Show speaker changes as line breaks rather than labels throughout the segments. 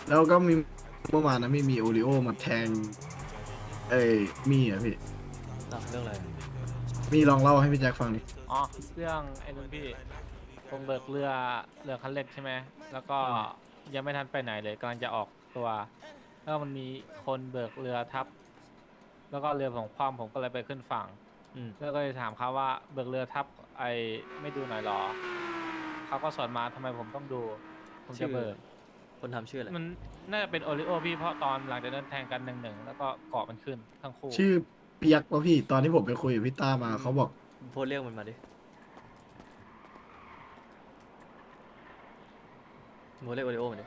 แล้วก็มีเมื่อวานนะมีโอริโอมาแทงเอ้ยมีอ่ะพี่
เรื่องอะไร
มีลองเล่าให้พี่แจ็คฟังดิ
อ๋อเรื่องไอ้นุ่นพี่ผมเบิกเรือคันเล็กใช่ไหมแล้วก็
อ่า
ยังไม่ทันไปไหนเลยกำลังจะออกตัวแล้วมันมีคนเบิกเรือทับแล้วก็เรือของความผมก็เลยไปขึ้นฝั่งแล้วก็เลยถามเขาว่าเบิกเรือทับไอ้ไม่ดูหน่อยหรอเขาก็สอนมาทำไมผมต้องดูผมจะ
ชื่อ
เบิก
คนทำชื่ออะไร
มันน่าจะเป็นโอริโอพี่เพราะตอนหลังจากนั้นแทงกัน1-1แล้วก็เกาะมันขึ้นทั้งคู่
ชื่อเปียกวะพี่ตอนที่ผมไปคุยกับพี่ต้ามาเขาบอก
โพสต์เรียกมันมาดิโพสต์เรียกโอริโอมาดิ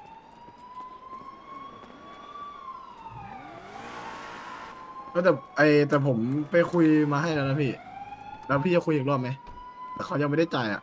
ก็แต่ผมไปคุยมาให้แล้วนะพี่แล้วพี่จะคุยอีกรอบไหมแต่เขายังไม่ได้จ่ายอ่ะ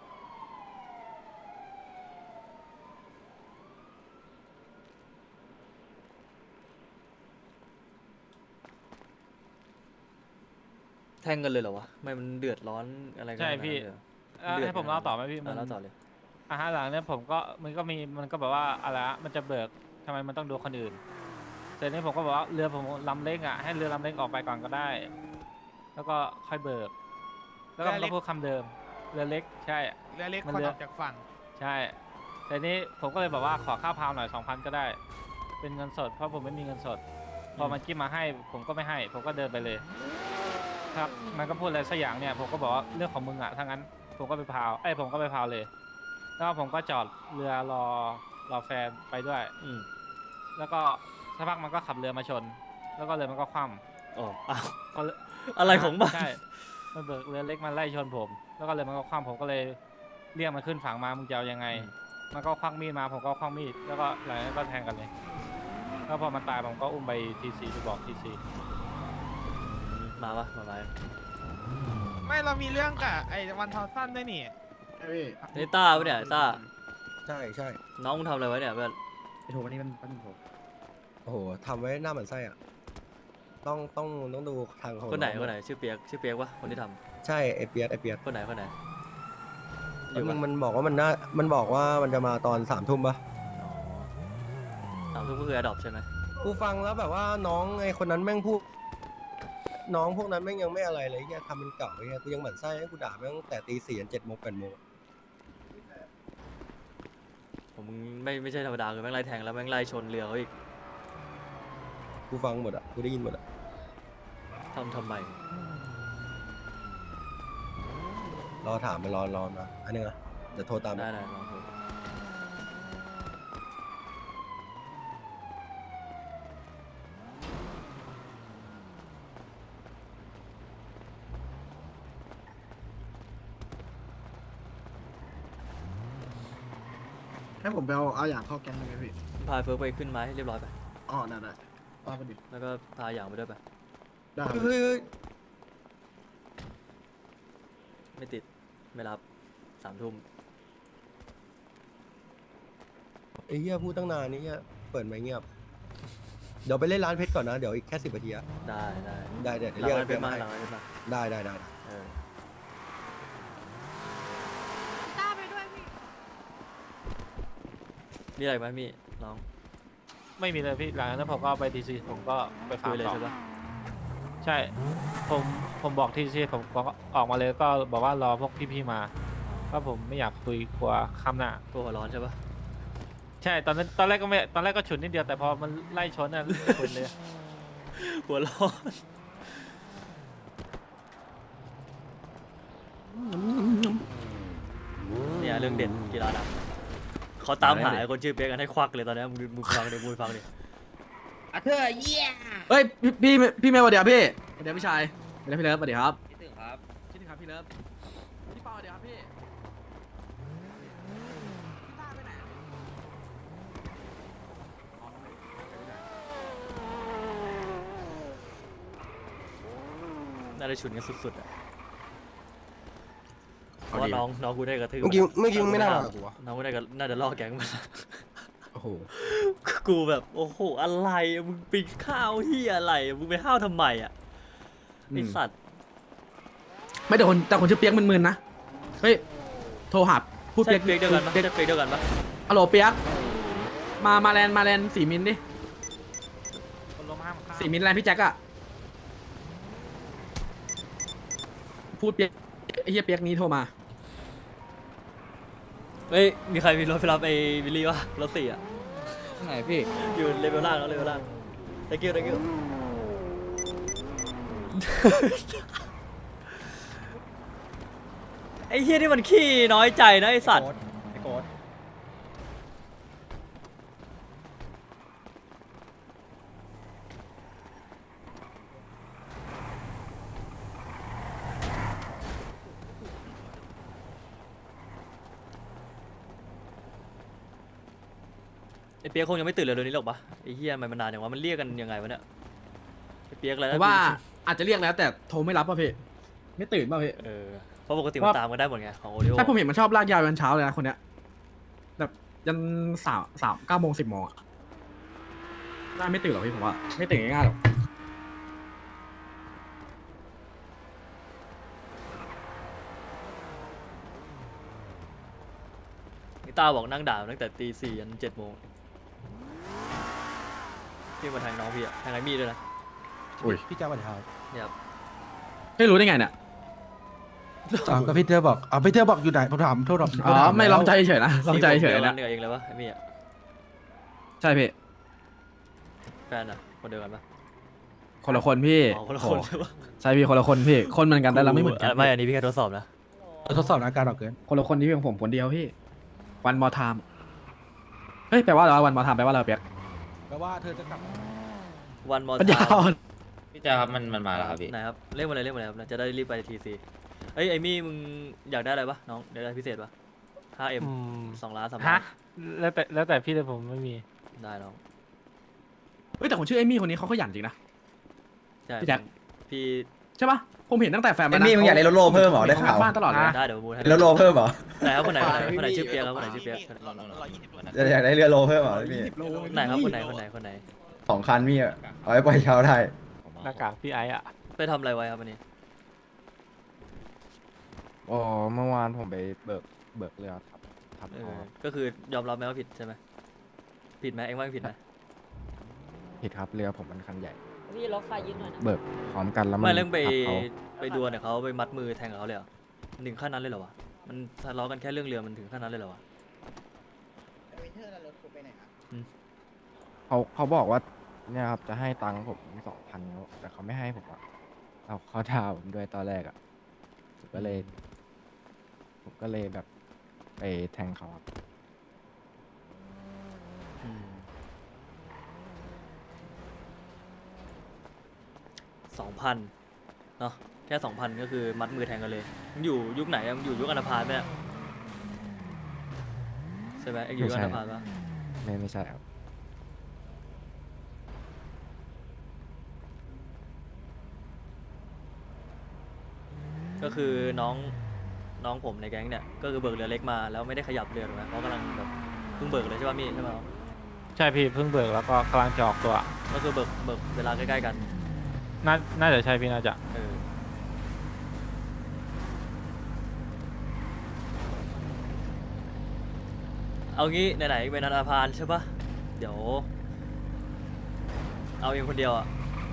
แทงกันเลยเหรอวะไม่มันเดือดร้อนอะไรกัน
ใช่พี่
ขนาดนั้นเลยเหรอมันเดือด
ให้ผมเล่าต่อไหมพี่
เล่าต่อเลย
หลังเนี่ยผมก็มันก็แบบว่าอะไรอะมันจะเบิกทำไมมันต้องดูคนอื่นเสร็จนี้ผมก็บอกว่าเรือผมลำเล็กอ่ะให้เรือลำเล็กออกไปก่อนก็ได้แล้วก็ค่อยเบิกแล้วก็มันก็พูดคำเดิมเรือเล็กใช่
เรือเล็ก
มัน
คน
เรือ
ออกจากฝั่ง
ใช่แต่นี้ผมก็เลยบอกว่าขอค่าพาวหน่อย2,000ก็ได้เป็นเงินสดเพราะผมไม่มีเงินสดพอมันจิ้มมาให้ผมก็ไม่ให้ผมก็เดินไปเลยครับมันก็พูดอะไรสักอย่างเนี่ยผมก็บอกว่าเรื่องของมึงอ่ะถ้างั้นผมก็ไปพาวผมก็ไปพาวเลย แล้วผมก็จอดเรือรอแฟนไปด้วยแล้วก็สักพักมันก็ขับเรือมาชน แล้วก็เรือมันก็คว่
อ๋ออ้าว
ำก็
อะไรของมัน
ใช่มันเบิกเรือเล็กมาไล่ชนผม แล้วก็เรือมันก็คว่ำผมก็เลยเรียกมันขึ้นฝั่งมามึงจะเอายังไง มันก็ควักมีดมาผมก็ควักมีดแล้วก็หลังจากนั้นก็แทงกันเลยแล้วพอมันตายผมก็อุ้มไปทีซีไปบอกทีซี
มาปะมาไหม
ไม่เรามีเรื่องกับไอ้วันทอสั้นด้วยนี่
ใช่พี่
นี่ต้าปะเนี่ยต้า
ใช่ใช่
น้องมึงทำอะไรไว้เนี่ยเพื่อน
ไอโทมันนี่มันปั้นโถโอ้โหทำไว้หน้าเหมือนไส้อ่ะต้องดูทางของ
คนไหน
อง
ชื่อเปียกวะคนที่ท
ใช่ไอเปียก
ำคนไหนอยู่ปะ
แล้วมันบอกว่ามันบอกว่ามันจะมาตอน3 ทุ่มปะ
อ๋อ3 ทุ่มก็คือ Adopt ใช่ไหม
กูฟังแล้วแบบว่าน้องไอคนนั้นแม่งพูดน้องพวกนั้นแม่งยังไม่อะไรเลยเนี่ยทำเป็นเก่าเนี่ยกูยังเหมือนไส้ให้กูด่าแม่งตั้งแต่ตี 4จน7 โมง 8 โมง
ผมไม่ใช่ธรรมดาคือแม่งไล่แทงแล้วแม่งไล่ชนเรือเขาอีก
กูฟังหมดอ่ะกูได้ยินหมดอ่ะ
ทำไม
รอถามไปรอมาอันนึงอ่ะเดี๋ยวโทรตาม
ได้ลองดู
ให้ผมไปเอาอย่างเข้าแก๊งได้ไหมพี่
พาเฟิร์กไปขึ้นไม้เรียบร้อยไป
อ๋อได้ป้าประดิษฐ์
แล้วก็พาอย่างไปด้วยไป
ได้
เฮ้ย
ไม่ติดไม่รับ3 ทุ่ม
ไอ้เหี้ยพูดตั้งนานนี่เหี้ยเปิดไมค์เงียบเดี๋ยวไปเล่นร้านเพชรก่อนนะเดี๋ยวอีกแค่10 นาทีอะได้เดี๋ยว
หลัง
เรียก
นั้นเป็นมา
ให้
หลังนั้นเป็นมา
ได้
เออ
ต้าไปด้วยพี่
มีอะไรไหมมีน้อง
ไม่มีเลยพี่หลังจากนั้นผมก็ไปทีซีผมก็ไปฟา
คุ
ร์ม
ยเลย
ต่อ
ใช่ปะ
ใช่ผมบอกทีซีผมก็ออกมาเลยก็บอกว่ารอพวกพี่ๆมาเพราะผมไม่อยากคุยกลัวคำหน้า
ตัวหัวร้อนใช่ปะ
ใช่ตอนแรกก็ไม่ตอนแรกก็ฉุนนิดเดียวแต่พอมันไล่ชนน่ะฉุนเลย
หัวร้อนเนี่ยเรื่องเด่นกีฬาดำเขาตามหาคนชื่อเปียกกันให้ควักเลยตอนนี้มึงฟังดิ
เธอเยี่ย
เฮ้ยพี่เมย์สวัสดีครับพี่สวัสดีครับพี่ชายสวัสดีครับพี่เลิฟสวัสดีครับ
คิดถึงครับ
คิดถึงครับพี่เลิฟพี่เปาสวัสดีครับพี่พี่ต้าไปไหน
น่าจะฉุนกันสุดๆอ่ะเพราะว่าน้องกูได้กระทืบ
เมื่อกี้ไม่น่ามากับกูวะ
น้องกูได้น่าจะล่อแก๊งมา
โอ้โห
กูแบบโอ้โหอะไรมึงปีนข้าวเฮียอะไรมึงไปห้าวทำไมอ่ะไอสัตว์
ไม่แต่คนชื่อเปียกมึนๆนะเฮ้ยโทรหาพูด
ใช่
เปียก
เปียกเดียวกันปะใช่เปียกเดียวกันปะ
ฮัลโหลเปียกมาแลนด์4 มิลดิ
คนล้มห้ามข้าม
4 มิลแลนด์พี่แจ็คอะพูดเปียกไอ้เหี้ยเปียกนี้โทรมา
เฮ้ยมีใครมีรถไปรับไอ้วิลลี่วะรถ4อ่ะ
ไหนพี่
อยู่เลเวลล่างแล้วเลเวลล่าง thank you thank you ไอ้เฮียนี่มันขี้น้อยใจนะไอ้สัตว์
ไอ้โกด
ไอ้เปียกคงยังไม่ตื่นเลยเดี๋ยวนี้หรอกปะไอ้เฮียมันนานอย่างวะมันเรียกกันยังไงวะเนี่ยไอ้เปียกอะไร
เพ
นะ
ราะว่าอาจจะเรียกแล้วแต่โทรไม่รับป่ะพี่ไม่ตื่นป่ะพี่
เพราะปกติมันตามกันได้หมดไงของโอริโอ
ใช่ผมเห็นมันชอบลากยาวยันเช้าเลยนะคนเนี้ยแบบยัน9 โมง 10 โมงอะน่าไม่ตื่นหรอกพี่ผมว่าไม่ตื่นง่ายๆหรอก
นิต้าบอกนั่งด่าตั้งแต่ตี 4ยัน7 โมงที่มาแทงน้องพี่อะแทงไอ้มี่ด้วยนะ
พี่เจ้าบันทาย
เนี่ยครับ
ไม่รู้ได้ไงเนี่ย
ก็พี่เธอบอกพี่เธอบอกอยู่ไหนผมถามโทษหรอก
อ๋อไม่ลองใจเฉยนะลองใจเฉย
เห
นะ
นือเองเลยวะไอ้มี่อะ
ใช่พี่
แฟนอะคนเดียวกันปะ
คนละคนพี่
อ๋อคนละคนใช่ปะ
ใช่พี่คนละคนพี่คนเหมือนกันแต่เราไม่เหมือนกัน
ไม่อันนี้พี่แค่ทดสอบนะ
ทดสอบอาการออกเกิน
คนละคนที่เป็นผมคนเดียวพี่วันมอทามเฮ้ยแปลว่าอะไรวันมอทามแปลว่าอะไรเปียก
แปลว่าเธอจะกลับ
วันมอ
ปัญญาอ่อน
พี่จ้าครับมันมาแล้วครับพี่
ไหนครับเรียกมาเลยครับจะได้รีบไปทีซีเอ้ยไอ้มี่มึงอยากได้อะไรปะน้องอยากได้พิเศษปะ 5M 2 ล้าน 3 ล้า
ฮะ
น
แล้วแต่พี่เลยผมไม่มี
ได้น้อง
เฮ้ยแต่ผมชื่อเอมี่คนนี้เขาขยันจริงนะ
ใช่
พี่แจ็ค
พี่
ใช่ปะผมเห็นตั้งแต่แฟน
เอมี่มึงอยากได้รถโลเพิ่มเหรอได้ข่าว
บ้านตลอดเลย
ได้เดี๋ยวประมูลให้
รถโลเพิ่มเหรอ
ไหนครับคนไหนชื่อเปียกครับคนไหนชื่อเปียก
อยากได้เรือโลเพิ่มเหรอพี่
ไหนครับคนไหน
2 คันพี่เอาไว้ปล่อยเช้าได้
หน้ากากพี่ไอ้อะ
ไปทำอะไรไว้ครับวันนี้
อ๋อเมื่อวานผมไปเบิกเรือครับทับ
เอ
คอ
อก็คือยอมรับไหมว่าผิดใช่ไหมผิดไหมเอ็งว่าผิดไหม
ผิดครับเรือผมมันคันใหญ่
พี่รถไฟยืนหน่อยนะ
เบิกพร้อมกันแล้วมัน
ไม่เรื่องไป
ทับเขา
ไปดวลเนี่ยเขาไปมัดมือแทงกับเขาเลยเหรอถึงขั้นนั้นเลยเหรอวะมันทะเลาะกันแค่เรื่องเรือมันถึงขั้นนั้นเลยเหรอวะ
เขาบอกว่าเนี่ยครับจะให้ตังค์ผม2,000แต่เขาไม่ให้ผมอ่ะเขาด่าผมด้วยตอนแรกอ่ะผมก็เลยแบบไปแทงเขาครับ
2,000เนาะแค่ 2,000 ก็คือมัดมือแทงกันเลยมึงอยู่ยุคไหนอะมึงอยู่ยุคอนาพาลไหมอะใช่ไหมเอ็งอยู่ยุคอนาพาลปะ
ไม่ใช่ครับ
ก็คือน้องผมในแก๊งเนี่ยก็คือเบิกเรือเล็กมาแล้วไม่ได้ขยับเรือถูกไหมเขากำลังแบบเพิ่งเบิกเลยใช่ป่ะมี่ใช่ไหมครับ
ใช่พี่เพิ่งเบิกแล้วก็กำลังจะออกตัว
ก็คือเบิกเวลาใกล้ๆกัน
น่าจะใช่พี่น่าจะ
เออเอางี้ไหนๆเป็นอนาพาลใช่ปะเดี๋ยว เอาเองคนเดียวอ่ะ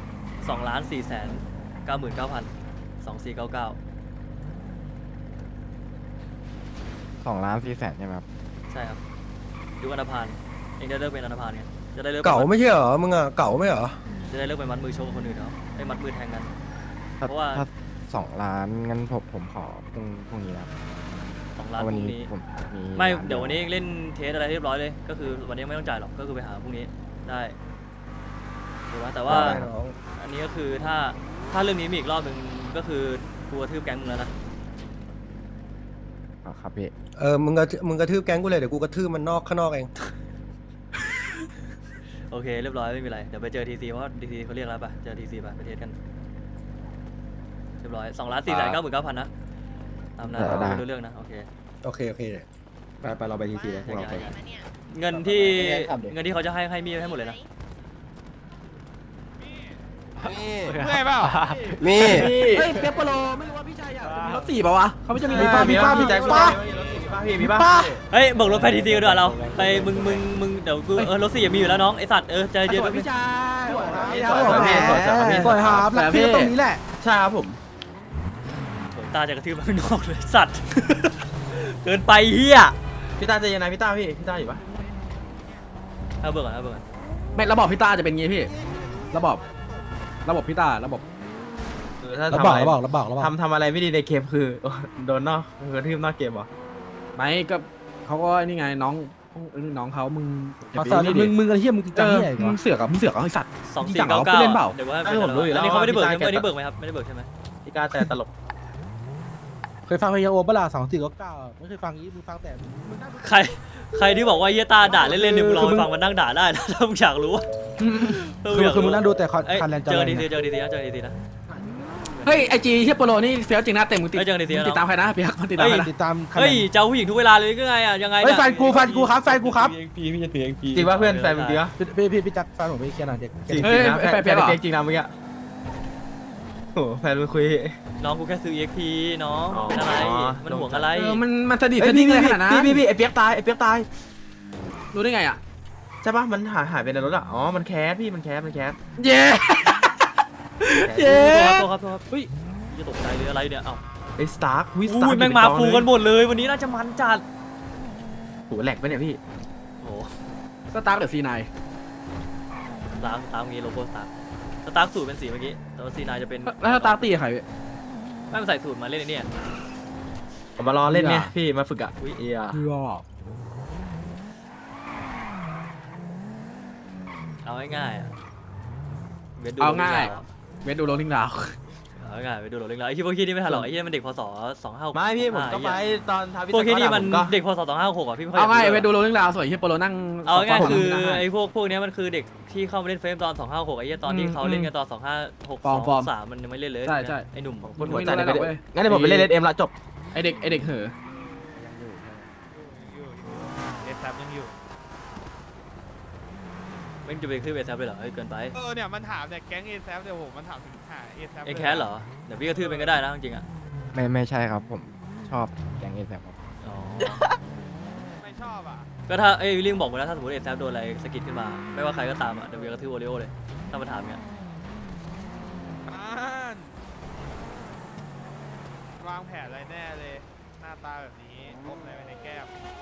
2,499,000 2499
2,400,000ใช่ไหมครับ
ใช่ครับยุคอนาพาลเองได้เลิกเป็นอนาพาลไงจะได้เลิก
เก่าไม่ใช่เหรอมึงอ่ะเก่าไม่เหรอ
จะได้เลิกไปมัดมือชกกับคนอื่นเนาะไอ้มัดมือแทงกัน เพราะว่า
ถ้า2 ล้านงั้นผมขอพรุ่งนี้นะครับ
2 ล้าน
วั
พ
น
รุ่ง
นี้
นี้
ผมมี
ไม่
ร้า
เดี๋ยววันนี้เล่นเทสอะไรเรียบร้อยเลยก็คือวันนี้ไม่ต้องจ่ายหรอกก็คือไปหาพรุ่งนี้ได้ถูกไหมแต่ว่า
ได้น้อง
อันนี้ก็คือถ้าเรื่องนี้มีอีกรอบหนึ่งก็คือกลัวทืบแก๊งมึงแล้วนะ
ครับพี่
มึงกระทืบแก๊งกูเลยเดี๋ยวกูกระทืบมันข้างนอกเอง
โอเคเรียบร้อยไม่มีไรเดี๋ยวไปเจอทีซีเพราะทีซีเขาเรียกแล้วป่ะเจอทีซีป่ะไปเทสกันเรียบร้อย2,499,000นะตามนั้นไม่รู้เรื่องนะโอเค
โอเค
ไปเราไปทีซีเลยพวกเราไป
เงินที่เขาจะให้มีให้หมดเลยนะ
เมื่อยเปล่า
มี
เฮ้ยเปียกโปโลไม่รู้ว่าพี่ชายอยากมีรถ4ป่าวะเขาไม่จะมีรถ
มีป้าพี่แจ็ค
ป้า
พี่มีป่ะ
เฮ้ยเบิกรถไปทีซีกันดีกว่าเราไปมึงเดี๋ยวกูรถ4มีอยู่แล้วน้องไอสัตว์ใจเย็นพี่ชาย
สวยครับแล้วพี่ตรงนี้แหละใช่ครับผม
ตาจะกระทืบมาข้างนอกเลยสัตว์เกินไปเฮีย
พี่ตาใจเย็นนะพี่ตาพี่ตาอยู่ปะ
เอาเบิกก่อนเอาเบิกก่อน
ไม่ระบบพี่ต้าจะเป็นงี้พี่ระบบพี่ต้าระบบ
ถ้า
แล้ว
ทำ
บอก
อะไร
แล้วบอกแล้วบอกแล้วบอก
ทำอะไรไม่ดีในเกมคือโดนนอกกระทืบนอกเกมเหรอ
ไม่ก็เขาก็นี่ไงน้องเขามึง
ขอสอนมึงอะไรเฮียมึงจำเฮียอีก
มึ
วะ
งเสือกกับไอ้สัตว์
2499
เล่นเปล่า
เดี๋ยวว่าอันนี้เขาไม่ได้เบิกอันนี้เบิกไหมครับไม่ได้เบิกใช่ไหม
พี่กาแต่ตลก
เคยฟังเพลงโอเปร่า2499ไม่เคยฟังนี้มึงฟังแต่มึงนั่งดู
ใครที่บอกว่าเฮียตาด่าเล่นๆเนี่ยมึงลองไปฟังมันนั่งด่าได้นะถ้ามึงอยากรู้
คือมึงนั่งดูแต่คันแลน
เจอดีซีนะ
เฮ้ยไอจีเฮียโปโลนี่เฟี้ยวจริงนะเต็มมึงติด
เฮ้ยเจอกันดีๆ
มึงติดตามใครนะเปียกมันติดตามใครนะ
ติดตามคัน
เฮ้ยเจ้าผู้หญิงทุกเวลาเลยก็ไงอ่ะยังไง
เฮ้ยแฟนกูครับแฟนกูครับ
จริงป่ะเพื่อนแฟนมึงจริงป่ะ
พี่จักรแฟนผมไปเคลียร์หน่อยเด็ก
จริงนะแฟนจริงนะเมื่อกี้โอ้แฟนมึงคุย
น้องกูแค่ซื้อ EXP น้องเป็นอะไรมันห่วงอะไร
มันสนิทสนิทอะไรขนาดนั้น
พี่ไอเปียกตาย
รู้ได้ไงอ่ะ
ใช่ป่ะมันหายไปในรถอ่ะอ๋อมันแคสพี่มันแคส
เย้
ตัวครับเฮ้ยจะตกใจเลยอะไรเนี่ยเอ้า
ไอ้สตาร์ควิส
อุ้ยแม่งมาฟูกันหมดเลยวันนี้น่าจะมันจัด
โหแหลกไปเนี่ยพี่
โอ้
สตาร์ทเดอะซีไน
สตาร์มีโลโก้สตาร์สูตรเป็นสีเมื่อกี้แต่ว่าC9จะเป็น
แล้วสตาร์ตีใครพี่
ไม่ใส่สูตรมาเล่นไอ้เนี่ย
ผมมารอเล่นเนี่ยพี่มาฝึกอ่ะเอีย
เอาง่ายๆอะเวทดู
เอาง่ายเวทดูโรลลิงดาว
เอาง่ายเวทดูโรลลิงแล้วไอ้ที่พวกที่นี่ไม่ทันหรอกไอ้ที่มันเด็กพศ25
ไม่พี่ผมก็ไปตอนท้าพิ
พวกที่นี่มันเด็กพศ2566อ่ะพี่ไม่ค่อย
เอาง่ายเวทดูโรลลิงดาวสวยเฮียโปโลนั่ง
เอาง่ายคือไอ้พวกนี้มันคือเด็กที่เข้ามาเล่นเฟรมตอน256ไอ้ที่ตอนที่เขาเล่นกันตอน2562 3มันยังไม่เล่นเลยไอ้หนุ่ม
คนหัวใจไปเลยงั้นเดี๋ยวผมไปเล่นเอ็มละจบ
ไอเด็กเหอะ
เอซับยังอยู่
ไม่จะไปขึ้นเอซเลยเหรอเฮ้ยเกินไป
เนี่ยมันถามเนี่ยแก๊งเอซับเดี๋ยวผมมันถามถึงหาเอซับ
เอ็แคสเหรอเดี๋ยวพี่กระทืบเป็นก็ได้นะจริงๆอ่ะ
ไม่ใช่ครับผมชอบแกงเอแซครับ
อ๋อ
ไม่ชอบอ่ะ
ก็ถ้าไอ้วิลลิงบอกมาแล้วถ้าสมมติเอซโดนอะไรสกิดขึ้นมาไม่ว่าใครก็ตามอ่ะเดี๋ยวพี่กระทืบโอริโอเลยถ้ามาถามเงี้ยว
างแผนอะไรแน่เลยหน้าตาแบบนี้พบอะไรไว้ในแก้ม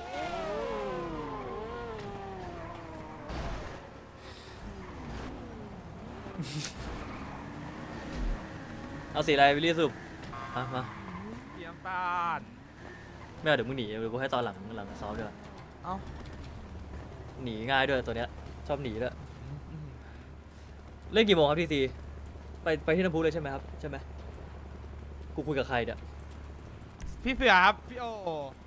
เอาสีอะไรวิลลี่สุบมา
เตรียมตาล
ไม่เอาเดี๋ยวมึงหนีเดี๋ยวกูให้ตอนหลังซ้อมด้วย
เอ้า
หนีง่ายด้วยตัวเนี้ยชอบหนีด้วยเล่นกี่โมงครับทีซีไปที่น้ำพุเลยใช่ไหมครับใช่ไหมกูคุยกับใครเนี่ย
พี่เสือครับพี่โอ